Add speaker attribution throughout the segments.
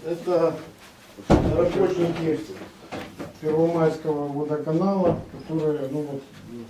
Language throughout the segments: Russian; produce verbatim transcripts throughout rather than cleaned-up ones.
Speaker 1: Это работники Первомайского водоканала, которые, ну вот,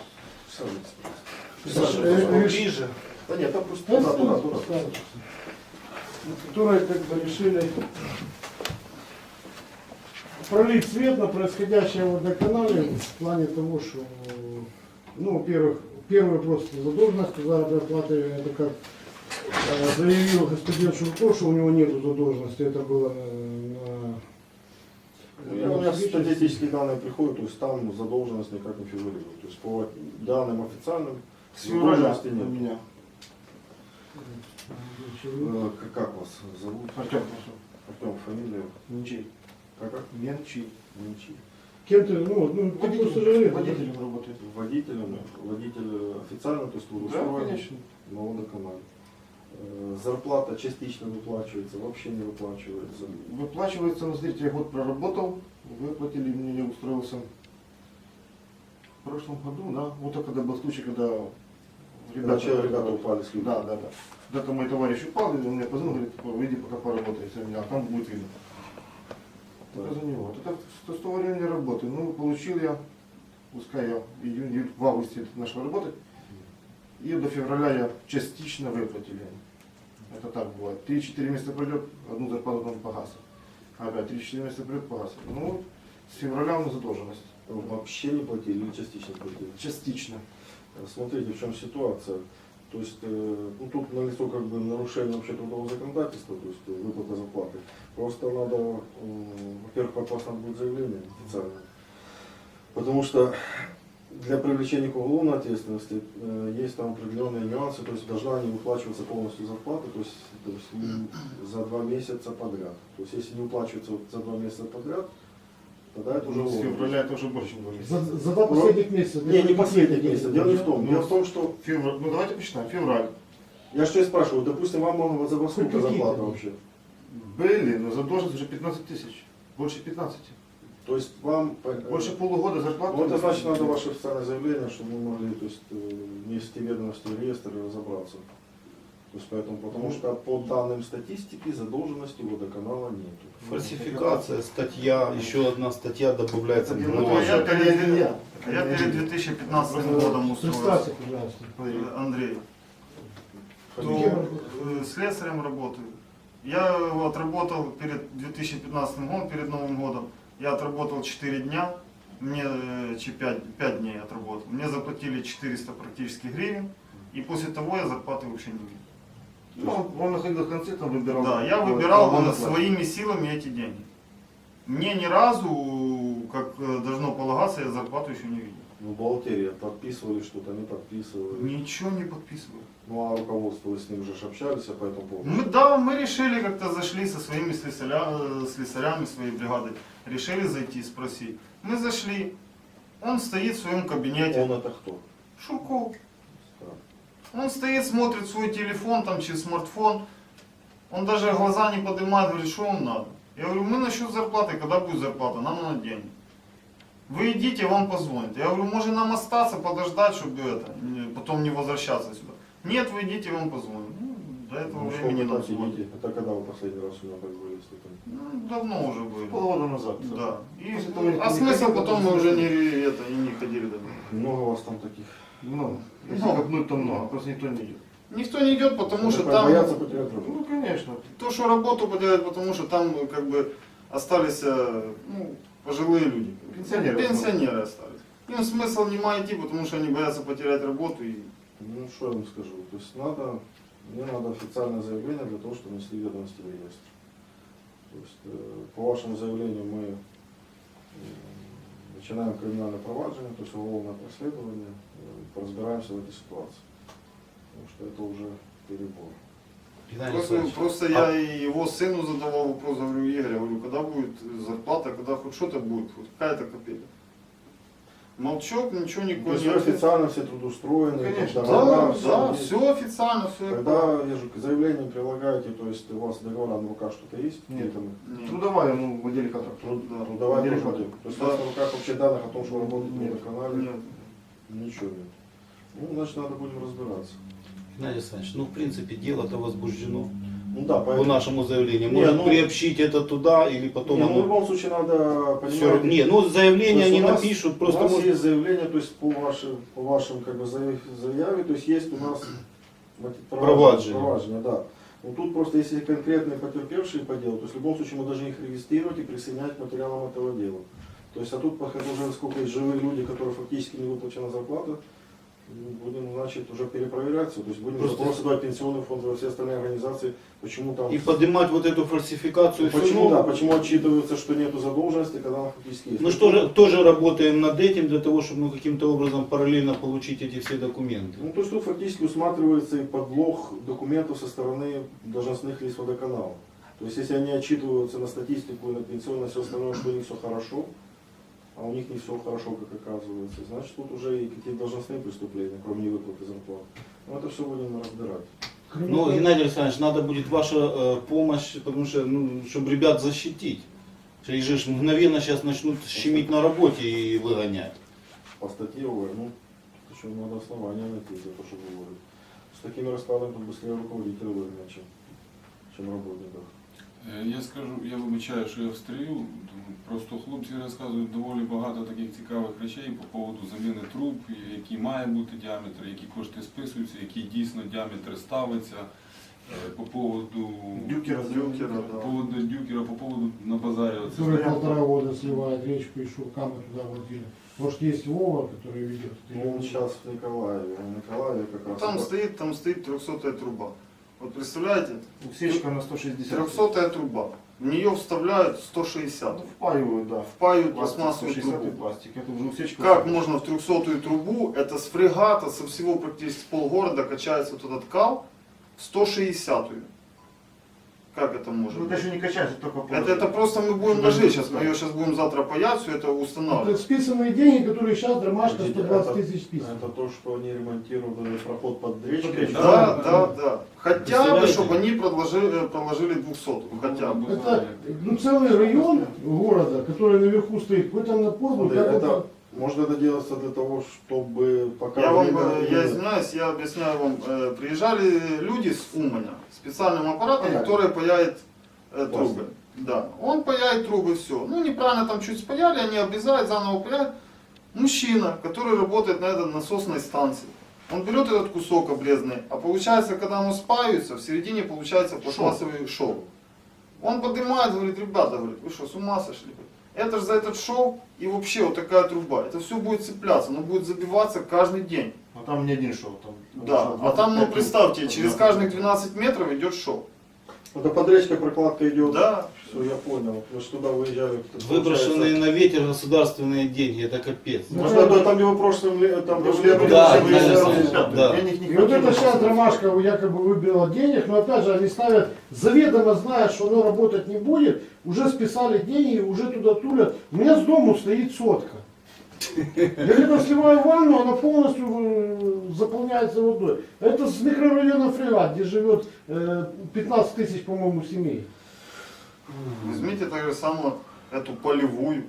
Speaker 2: Саша,
Speaker 1: э, реш-
Speaker 2: ближе. Да нет, там просто
Speaker 1: Да,
Speaker 2: туда, туда,
Speaker 1: да,
Speaker 2: туда.
Speaker 1: да. которые как бы решили пролить свет на происходящее в водоканале в плане того, что, ну, во-первых, первый просто задолженность заработной платы, это как э, заявил господин Шурко, что у него нету задолженности, это было на, на
Speaker 2: Ну, у меня статистические данные приходят, то есть там задолженность никак не фигурирует. То есть по данным официальным
Speaker 1: с февраля
Speaker 2: задолженности
Speaker 1: у
Speaker 2: нет.
Speaker 1: меня.
Speaker 2: Э, как- Как вас зовут?
Speaker 1: Артем.
Speaker 2: Артем, фамилия?
Speaker 1: Ничей.
Speaker 2: Как? как?
Speaker 1: Менчи.
Speaker 2: Ничьи.
Speaker 1: Кем ты, ну, ну, ты просто жалеешь,
Speaker 3: Водителем работает.
Speaker 2: Водителем, водитель официально, то есть трудоустроен
Speaker 1: конечно.
Speaker 2: на водоканале. Э, Зарплата частично выплачивается, вообще не выплачивается.
Speaker 3: Выплачивается, ну, смотрите, я год проработал, выплатили мне, я устроился в прошлом году, да, вот так, когда был случай, когда
Speaker 2: Когда че- ребята упали с
Speaker 3: Да, да, да. Когда-то мой товарищ упал, и он мне позвонил, говорит, выйди пока поработай, если меня, а там будет видно. Это за него. Вот это с с того времени работаю. Ну, получил я, пускай я в июне, июль, в августе начал работать, и до февраля я частично выплатили. Это так бывает. три-четыре месяца пройдет, одну зарплату там погасит. Опять три-четыре месяца пройдет, погасит. Ну, вот с февраля у нас задолженность.
Speaker 2: Вообще не платили или частично платили?
Speaker 3: Частично.
Speaker 2: Смотрите, в чем ситуация. То есть, э, ну, тут налицо как бы нарушение вообще трудового законодательства, то есть э, выплата зарплаты. Просто надо, э, во-первых, попасть надо будет заявление официальное. Потому что для привлечения к уголовной ответственности э, есть там определенные нюансы, то есть должна не выплачиваться полностью зарплата, то есть, то есть не за два месяца подряд. То есть если не выплачивается вот за два месяца подряд, тогда это уже
Speaker 3: Уже с
Speaker 2: уголовно.
Speaker 3: февраля это уже больше, чем два месяца.
Speaker 1: За, за два последних месяца.
Speaker 2: Не, не последних месяцев. Дело не в том. Дело в том, что
Speaker 3: Февраль, ну давайте посчитаем, февраль.
Speaker 2: я что и спрашиваю, допустим, вам можно за во сколько
Speaker 1: Какие-то.
Speaker 2: зарплата вообще?
Speaker 3: Были, но задолженность уже пятнадцать тысяч. Больше пятнадцати.
Speaker 2: То есть вам
Speaker 3: Больше полугода зарплаты.
Speaker 2: ну, это значит, надо ваше официальное заявление, чтобы мы могли, то есть, э, внести ведомости в реестр и разобраться. То есть поэтому, потому что по данным статистики задолженности водоканала нету.
Speaker 4: Фальсификация, статья, еще одна статья добавляется.
Speaker 3: Это
Speaker 4: к
Speaker 3: не
Speaker 4: новой.
Speaker 3: мой,
Speaker 5: я
Speaker 3: это не
Speaker 5: перед-
Speaker 3: я.
Speaker 5: Я перед две тысячи пятнадцатым годом устроился,
Speaker 1: Представься, пожалуйста.
Speaker 5: э, Андрей, то
Speaker 2: Фамилия?
Speaker 5: э, слесарем работаю. Я отработал перед две тысячи пятнадцатым годом, перед Новым годом, я отработал четыре дня, мне э, чи пять, пять дней отработал. Мне заплатили четыреста практически гривен, и после того я зарплаты вообще не видел.
Speaker 3: Ну, он, он находил в конце, там выбирал.
Speaker 5: Да, я
Speaker 3: вот,
Speaker 5: выбирал
Speaker 3: кого
Speaker 5: э,
Speaker 3: назвать.
Speaker 5: своими силами эти деньги. Мне ни разу, как э, должно полагаться, я зарплату еще не видел.
Speaker 2: Ну, бухгалтерия подписывали что-то, не подписывали.
Speaker 5: Ничего не подписываю.
Speaker 2: Ну, а руководство, вы с ним же ж общались по этому поводу?
Speaker 5: Мы, да, мы решили как-то зашли со своими слесаря- слесарями своей бригады, решили зайти, спросить. Мы зашли, он стоит в своем кабинете,
Speaker 2: Он это кто?
Speaker 5: Шурков.
Speaker 2: Да.
Speaker 5: Он стоит, смотрит свой телефон, там через смартфон, он даже глаза не поднимает, говорит, что вам надо. Я говорю, мы насчет зарплаты, когда будет зарплата, нам надо деньги. Вы идите, вам позвонят. Я говорю, может нам остаться, подождать, чтобы это, не- потом не возвращаться сюда. Нет, вы идите, вам позвонят. Ну, до этого
Speaker 2: Ну, что
Speaker 5: времени
Speaker 2: вы
Speaker 5: нам
Speaker 2: так
Speaker 5: звонят.
Speaker 2: сидите? Это когда вы последний раз у меня так были, если это...
Speaker 5: Ну, давно уже были.
Speaker 3: Полгода назад.
Speaker 5: Да. И,
Speaker 3: После того, как
Speaker 5: а
Speaker 3: не
Speaker 5: смысл
Speaker 3: ходил,
Speaker 5: потом
Speaker 3: потом
Speaker 5: мы уже
Speaker 3: не
Speaker 5: не, это, и не ходили домой.
Speaker 2: Много у вас там таких?
Speaker 3: Много. Если
Speaker 5: Много.
Speaker 3: копнуть, то много, просто никто не идет.
Speaker 5: Никто не идет, потому что
Speaker 2: Это
Speaker 5: там
Speaker 2: боятся потерять работу.
Speaker 3: Ну, конечно.
Speaker 5: то, что работу поделать, потому что там как бы остались э, ну, пожилые люди.
Speaker 3: Пенсионеры.
Speaker 5: Пенсионеры остались. Им смысл нема идти, потому что они боятся потерять работу. И...
Speaker 2: Ну, что я вам скажу? То есть надо, мне надо официальное заявление для того, чтобы внесли ведомости в реестр. То есть э, по вашему заявлению мы э, начинаем криминальное проваджение, то есть уголовное расследование, э, разбираемся в этой ситуации. Потому что это уже перебор.
Speaker 4: Геннадий
Speaker 5: Просто,
Speaker 4: Александрович,
Speaker 5: просто я и его сыну задавал вопрос, говорю, Игорь, я говорю, когда будет зарплата, когда хоть что-то будет, хоть какая-то копейка. Молчок, ничего
Speaker 2: То
Speaker 5: никакой
Speaker 2: есть
Speaker 5: не
Speaker 2: вы официально все трудоустроены,
Speaker 3: Конечно.
Speaker 2: договора,
Speaker 5: Да,
Speaker 2: всё
Speaker 5: да,
Speaker 2: есть.
Speaker 5: все официально, все.
Speaker 2: Когда я же к заявлению прилагаете, то есть у вас договора на руках что-то есть?
Speaker 3: Нет.
Speaker 2: Там,
Speaker 3: Трудовая, ну, в отделе контракта.
Speaker 2: труд,
Speaker 5: Да.
Speaker 2: трудовая
Speaker 3: Отделе
Speaker 2: тоже
Speaker 3: контракта.
Speaker 2: нет. То есть
Speaker 5: Да.
Speaker 2: у вас на руках вообще данных о том, что вы работаете на
Speaker 3: Нет.
Speaker 2: водоканале?
Speaker 5: Нет.
Speaker 2: Ничего нет. Ну, значит, надо будем разбираться.
Speaker 4: Геннадий Александрович, ну в принципе дело-то возбуждено.
Speaker 2: Ну да,
Speaker 4: по
Speaker 2: поэтому.
Speaker 4: нашему заявлению?
Speaker 2: Не,
Speaker 4: Может
Speaker 2: ну-
Speaker 4: приобщить это туда или потом
Speaker 2: Не, ну, в
Speaker 4: оно...
Speaker 2: любом случае надо
Speaker 4: Всё,
Speaker 2: понимать.
Speaker 4: не, ну
Speaker 2: То
Speaker 4: заявление
Speaker 2: есть
Speaker 4: они
Speaker 2: у нас-
Speaker 4: напишут,
Speaker 2: у
Speaker 4: просто
Speaker 2: нас
Speaker 4: может-
Speaker 2: есть заявление, то есть по вашим, по вашим как бы заяв- заяве, то есть есть у нас мати-
Speaker 4: Провадження.
Speaker 2: провадження, да. Ну тут просто если конкретные потерпевшие по делу, то есть в любом случае мы должны их регистрировать и присоединять к материалам этого дела. То есть, а тут, пока уже сколько есть живые люди, которые фактически не выплачена зарплата, будем, значит, уже перепроверяться, то есть будем
Speaker 4: Просто-
Speaker 2: запросы давать пенсионный фонд во все остальные организации, почему там...
Speaker 4: И поднимать вот эту фальсификацию.
Speaker 2: Ну, почему,
Speaker 4: всего.
Speaker 2: да, почему отчитывается, что нету задолженности, когда она фактически есть.
Speaker 4: Ну что же, тоже работаем над этим для того, чтобы мы каким-то образом параллельно получить эти все документы.
Speaker 2: Ну, то есть тут фактически усматривается и подлог документов со стороны должностных лиц водоканала. То есть если они отчитываются на статистику, на пенсионное, все остальное, что у них все хорошо, а у них не все хорошо, как оказывается, значит тут уже и какие-то должностные преступления, кроме невыплаты зарплат. Но это все будем разбирать.
Speaker 1: Кроме
Speaker 4: Ну,
Speaker 1: того-
Speaker 4: Геннадий Александрович, надо будет ваша э, помощь, потому что, ну, чтобы ребят защитить. Что их же ж мгновенно сейчас начнут щемить на работе и выгонять.
Speaker 2: По статье ОВР, ну, еще надо основания найти за то, что говорят. С такими раскладами тут быстрее руководителя выгонять, чем, чем работников.
Speaker 6: Е, Я скажу, я вибачаю, що я встрію, просто хлопці розказують доволі багато таких цікавих речей по поводу заміни труб, який має бути діаметр, які кошти списуються, який дійсно діаметр ставиться, е, по поводу
Speaker 3: Дюкера,
Speaker 5: Дюкера,
Speaker 6: по
Speaker 5: да.
Speaker 6: поводу дюкера, по поводу на базарі. оце
Speaker 1: Который
Speaker 6: стоять.
Speaker 1: полтора года сливает речку и шуркамы туда водили. Может есть Вова, который ведет.
Speaker 2: Ну, он сейчас в Николаеве, а в Николаеве как раз...
Speaker 5: Там стоит, там стоит трехсотая труба. Вот представляете,
Speaker 3: Усечка на сто шестьдесят.
Speaker 5: трехсотая труба. В нее вставляют сто шестьдесят.
Speaker 3: Ну, впаивают, да.
Speaker 5: Впаивают
Speaker 3: Пластик,
Speaker 5: пластмассовую
Speaker 3: сто шестьдесят
Speaker 5: трубу.
Speaker 3: пластик. Это уже усечка.
Speaker 5: Как можно в трехсотую трубу, это с фрегата, со всего практически с полгорода качается вот этот кал, в сто шестидесятую. Как это может
Speaker 3: Ну,
Speaker 5: быть?
Speaker 3: это еще не качается, только по-
Speaker 5: Это, это просто мы будем ложить сейчас, мы ее сейчас будем завтра паять, все это
Speaker 1: Это
Speaker 5: устанавливать.
Speaker 1: списанные деньги, которые сейчас Дромашка
Speaker 2: Подождите,
Speaker 1: сто двадцать
Speaker 2: это-
Speaker 1: тысяч списано.
Speaker 2: Это то, что они ремонтировали проход под речкой.
Speaker 3: Под речкой.
Speaker 5: Да, да, да. Хотя бы,
Speaker 4: Представляете?
Speaker 5: чтобы они продолжили, проложили двухсотую. Хотя бы.
Speaker 1: Это ну, целый район города, который наверху стоит, какой там напор был,
Speaker 2: Смотри,
Speaker 1: как
Speaker 2: это,
Speaker 1: вот-
Speaker 2: может это делается для того, чтобы пока...
Speaker 5: Я вам,
Speaker 2: время-
Speaker 5: э, я извиняюсь, я объясняю вам, э, приезжали люди с Уманя, специальным аппаратом,
Speaker 2: Понятно.
Speaker 5: который паяет э, трубы. Да, он паяет трубы, все. Ну, неправильно там чуть спаяли, они обрезают, заново паяют. Мужчина, который работает на этой насосной станции, он берет этот кусок обрезанный, а получается, когда оно спаивается, в середине получается пластмассовый шов. Он поднимает, говорит, ребята, говорит, вы что, с ума сошли? Это же за этот шов и вообще вот такая труба. Это все будет цепляться, оно будет забиваться каждый день.
Speaker 3: А там не один шов. Там,
Speaker 5: Да,
Speaker 3: шов
Speaker 5: а там, ну
Speaker 3: двадцать пять
Speaker 5: представьте,
Speaker 3: труб.
Speaker 5: через каждых двенадцать метров идет шов.
Speaker 2: Это под речкой прокладка идет.
Speaker 5: Да.
Speaker 2: Все, я понял. Мы же туда выезжали. это
Speaker 4: Выброшенные
Speaker 2: получается-
Speaker 4: на ветер государственные деньги, это капец.
Speaker 2: Может, это там, где вы прошлым ле- там, где вы летом
Speaker 4: Да,
Speaker 2: выезжали,
Speaker 4: да,
Speaker 2: выезжали,
Speaker 4: да, да.
Speaker 3: Я них не
Speaker 1: И вот
Speaker 3: хотел,
Speaker 1: это сейчас
Speaker 3: но-
Speaker 1: Дромашка якобы выбила денег, но опять же они ставят, заведомо зная, что оно работать не будет, уже списали деньги, уже туда тулят. У меня с дому стоит сотка. Я когда сливаю ванну, она полностью э, заполняется водой. Это с микрорайона Фрегат, где живет э, пятнадцать тысяч, по-моему, семей.
Speaker 5: Возьмите так же самое эту полевую.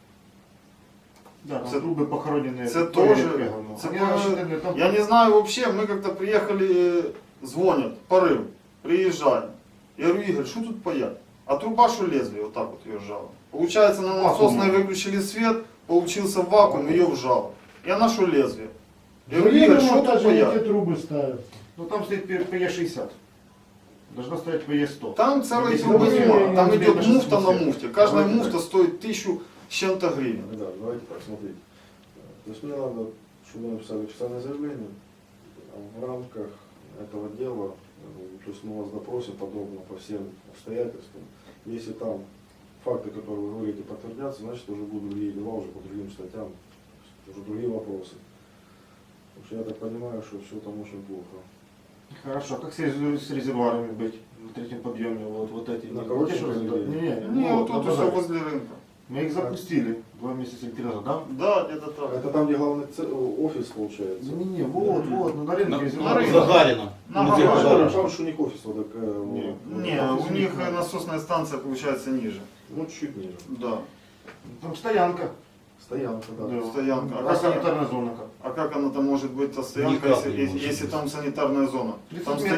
Speaker 3: Да,
Speaker 5: Це-
Speaker 3: там трубы похороненные.
Speaker 5: Це
Speaker 3: поле
Speaker 5: теж,
Speaker 3: пригано.
Speaker 5: це
Speaker 3: Они
Speaker 5: по-
Speaker 3: рассчитаны там-
Speaker 5: Я не знаю вообще, мы как-то приехали, э, звонят, порыв, приезжаем. Я говорю, Игорь, что тут паять? А труба, что лезвие, вот так вот ее вжало. Получается, на насосной выключили свет, получился вакуум, ее вжало. И она что лезвие? Я говорю, Игорь,
Speaker 1: Заведомо
Speaker 5: что
Speaker 1: опять
Speaker 5: тут
Speaker 1: же эти
Speaker 5: паять?
Speaker 1: трубы ставят.
Speaker 3: Ну там стоит пэ е шестьдесят. Должна стоять пэ е сто.
Speaker 5: Там целой
Speaker 3: Если
Speaker 5: трубы
Speaker 1: вы-
Speaker 5: нема, там
Speaker 3: вы-
Speaker 5: идет
Speaker 3: вы-
Speaker 5: муфта на
Speaker 3: вы-
Speaker 5: муфте. Каждая
Speaker 2: Давайте
Speaker 5: муфта
Speaker 2: так.
Speaker 5: стоит тысячу с чем-то гривен.
Speaker 2: Да, давайте так, смотрите. То есть мне надо, чтобы вы написали официальное заявление в рамках этого дела. э, То есть мы вас допросим подробно по всем обстоятельствам. Если там факты, которые вы говорите, подтвердятся, значит уже будут другие дела уже по другим статьям, уже другие вопросы. Потому что я так понимаю, что все там очень плохо.
Speaker 3: Хорошо, а как с, рез- с резервуарами быть на третьем подъеме? Вот, вот эти.
Speaker 2: На
Speaker 3: вот
Speaker 2: кого
Speaker 3: эти, что
Speaker 2: тебе
Speaker 3: резервуары?
Speaker 2: говорили?
Speaker 3: Не, не,
Speaker 5: Не, вот
Speaker 3: на
Speaker 5: тут все
Speaker 3: базаре.
Speaker 5: возле рынка.
Speaker 3: Мы их запустили два месяца или три назад, да?
Speaker 5: Да, где-то так.
Speaker 2: Это там, где главный це- офис получается.
Speaker 3: Не, не, вот, вот, ну, на рынке
Speaker 6: На-
Speaker 3: резервуары.
Speaker 5: на рынке.
Speaker 4: Загарина.
Speaker 5: На
Speaker 4: Ну,
Speaker 5: Гагарина.
Speaker 4: где
Speaker 2: Там,
Speaker 4: Гагарина?
Speaker 2: там же у них офис вот такая.
Speaker 3: Не.
Speaker 2: вот.
Speaker 5: Не,
Speaker 3: офис
Speaker 5: у них
Speaker 3: не-
Speaker 5: насосная станция получается ниже.
Speaker 2: Ну, чуть ниже.
Speaker 5: Да.
Speaker 3: Там стоянка.
Speaker 2: Стоянка, да.
Speaker 3: Да.
Speaker 5: Стоянка.
Speaker 3: А санитарная зона как?
Speaker 5: А как она там может быть, та стоянка,
Speaker 4: Никак
Speaker 5: если,
Speaker 4: не
Speaker 5: если,
Speaker 4: может
Speaker 5: если
Speaker 4: быть.
Speaker 5: там санитарная зона?
Speaker 3: тридцать
Speaker 5: Там
Speaker 3: метров.
Speaker 5: стоят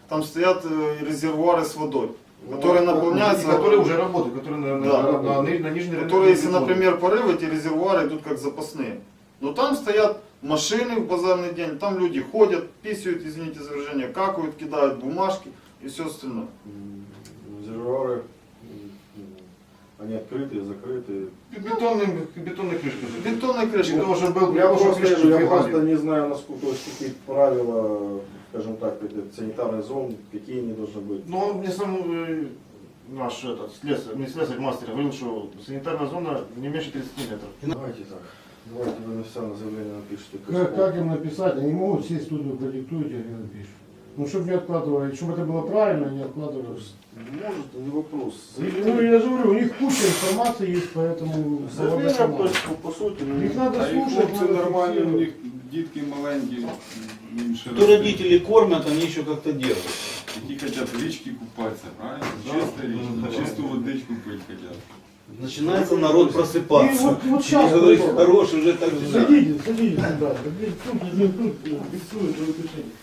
Speaker 5: там стоят э, резервуары с водой, которые
Speaker 3: И
Speaker 5: наполняются,
Speaker 3: которые уже работают, которые на, на,
Speaker 5: Да.
Speaker 3: на, на, ни- на нижней
Speaker 5: которые, если,
Speaker 3: рынке
Speaker 5: например, порыв, эти резервуары идут как запасные. Но там стоят машины в базарный день, там люди ходят, писают, извините за выражение, какают, кидают бумажки и все остальное.
Speaker 2: М, Резервуары, м, они открытые, закрытые.
Speaker 3: бетонные, бетонные крышки.
Speaker 5: Бетонная крышка.
Speaker 3: Для того, чтобы был, для
Speaker 2: Я
Speaker 3: того, чтобы
Speaker 2: просто,
Speaker 3: крышки
Speaker 2: я
Speaker 3: сбивали.
Speaker 2: просто не знаю, насколько, то есть какие правила, скажем так, эти санитарные зоны, какие они должны быть.
Speaker 3: Ну, он мне сам э, наш этот, слесарь, не слесарь, мастер говорил, что санитарная зона не меньше тридцати метров.
Speaker 2: Давайте так. Давайте вы официальное заявление напишите.
Speaker 1: Как, как им написать? Они могут сесть в студию, продиктуют, и они напишут. Ну, чтобы не откладывали, чтобы это было правильно, не откладывали.
Speaker 2: Может, не вопрос.
Speaker 1: И, ну, я же говорю, у них куча информации есть, поэтому...
Speaker 2: Заявление, то есть, по, по сути, ну,
Speaker 1: Их надо
Speaker 6: А і
Speaker 1: слушать,
Speaker 6: хлопці
Speaker 1: надо
Speaker 6: нормальні, у
Speaker 1: фиксировать.
Speaker 6: них дітки маленькі, їм ще
Speaker 4: То
Speaker 6: рости.
Speaker 4: родители кормят, они еще как-то делают.
Speaker 6: Які хочуть в річці купатися, правильно?
Speaker 3: Да.
Speaker 6: Чиста річка, чисту водичку пить хочуть.
Speaker 4: Начинается народ
Speaker 1: И
Speaker 4: просыпаться.
Speaker 1: вот, вот сейчас...
Speaker 4: Я говорю,
Speaker 1: вот,
Speaker 4: хорош, уже так же.
Speaker 1: Садитесь, садитесь сюда. Садитесь тут, один тут, фиксует выключение.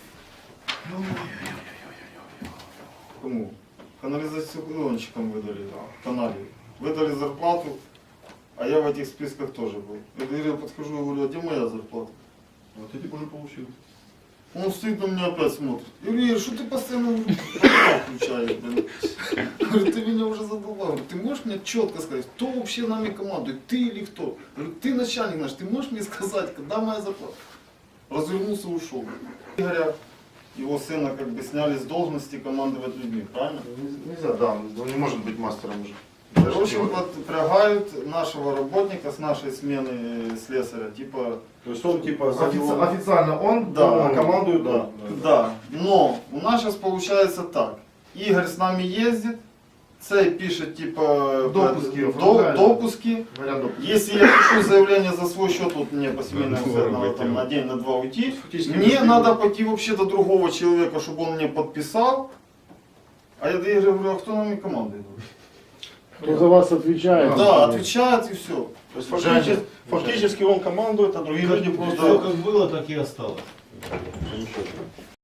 Speaker 5: Кому? Канализационщикам выдали, канале. Выдали зарплату, а я в этих списках тоже был. Я говорю, подхожу, я говорю, а где моя зарплата?
Speaker 2: Вот эти уже получили.
Speaker 5: Он стоит на меня опять смотрит. Я говорю, Игорь, что ты постоянно канал включаешь, блин? Я говорю, ты меня уже задолбал. Говорю, ты можешь мне четко сказать, кто вообще нами командует, ты или кто? Я говорю, ты начальник наш, ты можешь мне сказать, когда моя зарплата? Развернулся и ушел. Игоря, его сына как бы сняли с должности командовать людьми, правильно?
Speaker 3: Нельзя, да, он не может быть мастером уже.
Speaker 5: В общем, подпрягают нашего работника с нашей смены э, слесаря, типа,
Speaker 2: То есть он типа за
Speaker 3: Офици-
Speaker 2: него-
Speaker 3: официально он,
Speaker 5: Да.
Speaker 3: а командует
Speaker 5: да,
Speaker 3: он.
Speaker 5: да. Но у нас сейчас получается так. Игорь с нами ездит, цей пишет типа
Speaker 3: Допуски
Speaker 5: до-
Speaker 3: оформляет.
Speaker 5: допуски.
Speaker 3: Говорят, допуск.
Speaker 5: Если я пишу заявление за свой счет, вот мне по семейному
Speaker 6: Да,
Speaker 5: центру,
Speaker 6: да,
Speaker 5: там,
Speaker 6: да.
Speaker 5: на день, на два уйти,
Speaker 3: Фактически
Speaker 5: мне
Speaker 3: без
Speaker 5: надо
Speaker 3: денег.
Speaker 5: пойти вообще до другого человека, чтобы он мне подписал. А я до Игоря говорю, а кто нами командует?
Speaker 1: Кто за вас отвечает?
Speaker 5: Да, отвечает и все.
Speaker 2: То есть фактически, фактически он командует, а другие люди
Speaker 4: Все
Speaker 2: просто...
Speaker 4: как было, так и осталось.
Speaker 2: Замечательно.